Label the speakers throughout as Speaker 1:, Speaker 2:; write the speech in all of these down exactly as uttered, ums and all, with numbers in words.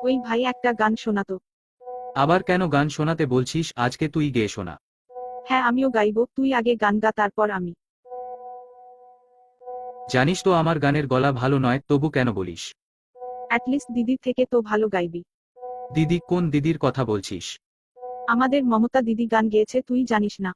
Speaker 1: ওই ভাই একটা গান শোনাতো।
Speaker 2: আবার কেন গান শোনাতে বলছিস? আজকে তুই গেয়ে শোনা।
Speaker 1: হ্যাঁ আমিও গাইবো, তুই আগে গান গা তারপর আমি।
Speaker 2: জানিস তো আমার গানের গলা ভালো নয়, তবু কেন বলিস?
Speaker 1: অ্যাটলিস্ট দিদির থেকে তো ভালো গাইবি।
Speaker 2: দিদি? কোন দিদির কথা বলছিস?
Speaker 1: আমাদের মমতা দিদি গান গেয়েছে, তুই জানিস না?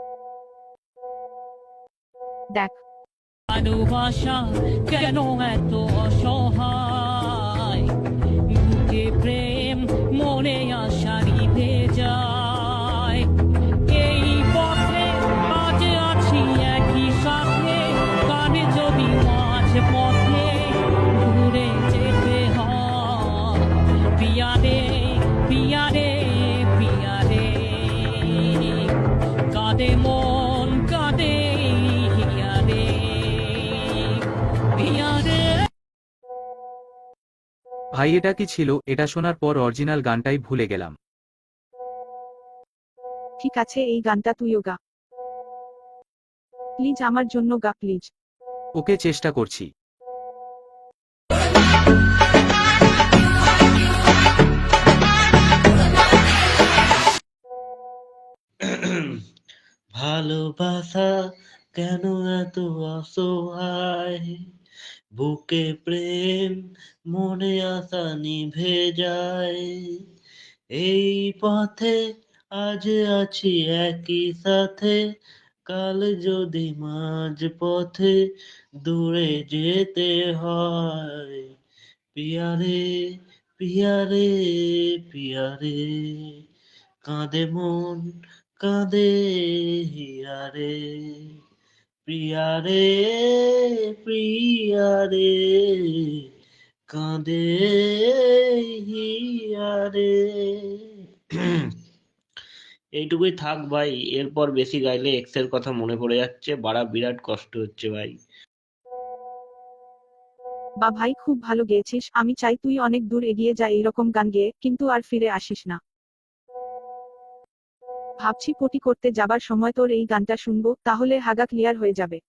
Speaker 1: দেখ।
Speaker 3: ভালোবাসা কেন এত অসহায়, বুকে প্রেম মনে আশা নিভে যায়। এই পথে আজ আছি একই সাথে, কানে যদি মাঝ পথে ঘুরে যেতে হয়। পিয়া রে পিয়া রে পিয়া রে, কাঁদে মন কাঁদে হিয়া রে পিয়া রে।
Speaker 2: ভাই এটা কি ছিল? এটা শোনার পর অরিজিনাল গানটাই ভুলে গেলাম।
Speaker 1: ঠিক আছে এই গানটা তুইও গা প্লিজ, আমার জন্য গা প্লিজ।
Speaker 2: ওকে, চেষ্টা করছি।
Speaker 4: ভালোবাসা কেন এত অসহায়, বুকে প্রেম মনে আশা নিভে যায়। এই পথে আজ আছি একই সাথে, কাল যদি মাঝ পথে দূরে যেতে হয়। পিয়ারে পিয়ারে পিয়ারে, কাঁদে মন কাঁদে হিয়ারে। প্রিয়ারে প্রিয়ারে, কাঁদে হিয়ারে। এইটুকুই থাক ভাই, এরপর বেশি গাইলে এক্স এর কথা মনে পড়ে যাচ্ছে, বাড়া বিরাট কষ্ট হচ্ছে ভাই।
Speaker 1: বা ভাই খুব ভালো গেয়েছিস, আমি চাই তুই অনেক দূর এগিয়ে যা এইরকম গান গেয়ে, কিন্তু আর ফিরে আসিস না। ভাবছি পটি করতে যাবার সময় তোর এই গানটা শুনবো, তাহলে হাগা ক্লিয়ার হয়ে যাবে।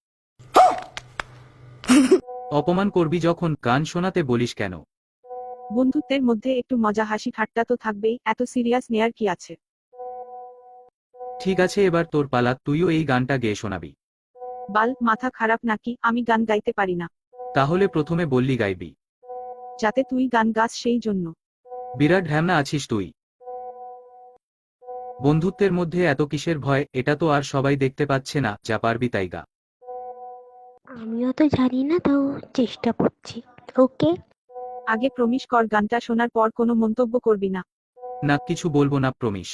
Speaker 2: অপমান করবি যখন গান শোনাতে বলিস কেন?
Speaker 1: বন্ধুত্বের মধ্যে একটু মজা হাসি ঠাট্টা তো থাকবেই, এত সিরিয়াস নেয়ার কি আছে?
Speaker 2: ঠিক আছে এবার তোর পালা, তুইও এই গানটা গেয়ে শোনাবি।
Speaker 1: বাল মাথা খারাপ নাকি? আমি গান গাইতে পারি না।
Speaker 2: তাহলে প্রথমে বললি গাইবি।
Speaker 1: যাতে তুই গান গাস সেই জন্য।
Speaker 2: বিরাট ঢ্যামনা আছিস তুই। বন্ধুত্বের মধ্যে এত কিসের ভয়? এটা তো আর সবাই দেখতে পাচ্ছে না, যা পারবি তাই গা।
Speaker 5: আমিও তো জানি না, তাও চেষ্টা করছি। ওকে।
Speaker 1: আগে প্রমিস কর গানটা শোনার পর কোনো মন্তব্য করবি না।
Speaker 2: না, কিছু বলবো না, প্রমিস।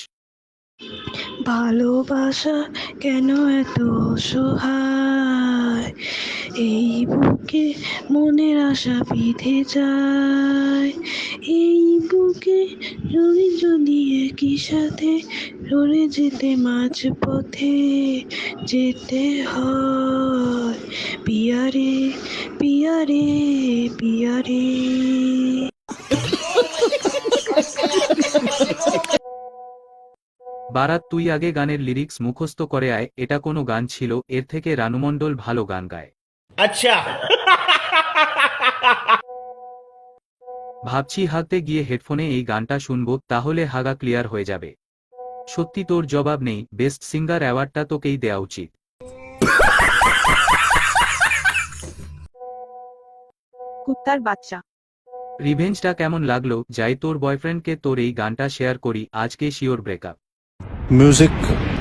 Speaker 6: ভালোবাসা কেন এত অসহায়, এই বুকে মনের আশা বিঁধে যায়। এই বুকে যদি যদি একই সাথে লড়ে যেতে মাঝ পথে যেতে হয়। পিয়ারে পিয়ারে পিয়ারে।
Speaker 2: বারাত, তুই আগে গানের লিরিক্স মুখস্থ করে আয়। এটা কোনো গান ছিল? এর থেকে রানু মণ্ডল ভালো গান গায়।
Speaker 4: আচ্ছা।
Speaker 2: ভাবছি হাতে গিয়ে হেডফোনে এই গানটা শুনবো, তাহলে হাগা ক্লিয়ার হয়ে যাবে। সত্যি তোর জবাব নেই, বেস্ট সিঙ্গার অ্যাওয়ার্ডটা তোকেই দেওয়া উচিত।
Speaker 1: কুত্তার বাচ্চা।
Speaker 2: রিভেঞ্জটা কেমন লাগলো? যাই তোর বয়ফ্রেন্ডকে তোর এই গানটা শেয়ার করি, আজকে শিওর ব্রেকআপ।
Speaker 7: Music